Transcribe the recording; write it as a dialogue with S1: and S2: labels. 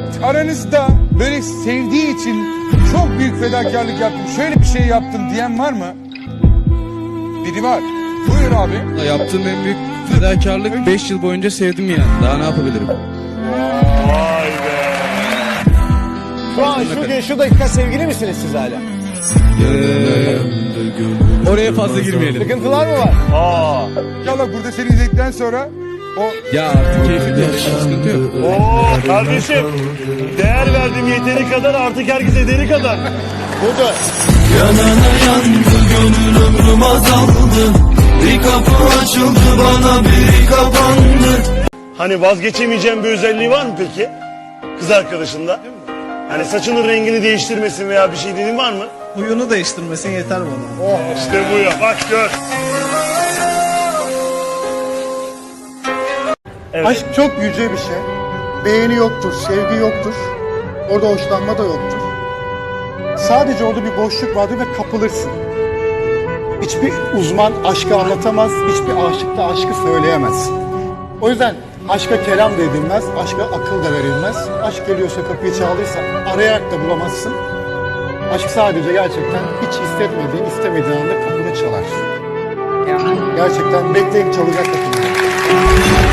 S1: Aranızda böyle sevdiği için çok büyük fedakarlık yaptım, şöyle bir şey yaptım diyen var mı? Biri var. Buyur abi.
S2: Yaptığım en büyük fedakarlık 5 yıl boyunca sevdim yani. Daha ne yapabilirim?
S3: Vay be.
S4: Şu an şu dakika sevgili misiniz siz hala?
S2: Oraya fazla girmeyelim.
S4: Sıkıntılar mı var?
S3: Aa.
S1: İnşallah burada seni izledikten sonra o
S2: Ya artık keyfim de sıkıntı yok.
S3: Oo kardeşim. Değer verdim yeteri kadar, artık herkes ederi kadar.
S4: Burada.
S5: Yanana yandı gönül ömrüm azaldı. Bir kapı açıldı bana biri kapandı.
S3: Hani vazgeçemeyeceğim bir özelliği var mı peki? Kız arkadaşında. Hani saçının rengini değiştirmesin veya bir şey dediğin var mı?
S6: Huyunu değiştirmesin yeter bana.
S3: Oh işte bu ya, bak gör. Evet.
S7: Aşk çok yüce bir şey. Beğeni yoktur, sevgi yoktur. Orada hoşlanma da yoktur. Sadece orada bir boşluk vardır ve kapılırsın. Hiçbir uzman aşkı anlatamaz, hiçbir aşık da aşkı söyleyemez. O yüzden aşka kelam da edilmez, aşka akıl da verilmez. Aşk geliyorsa kapıyı çaldıysa arayarak da bulamazsın. Aşk sadece gerçekten hiç istemediğin anda kapını çalar. Gerçekten bekleyip çalacak kapını.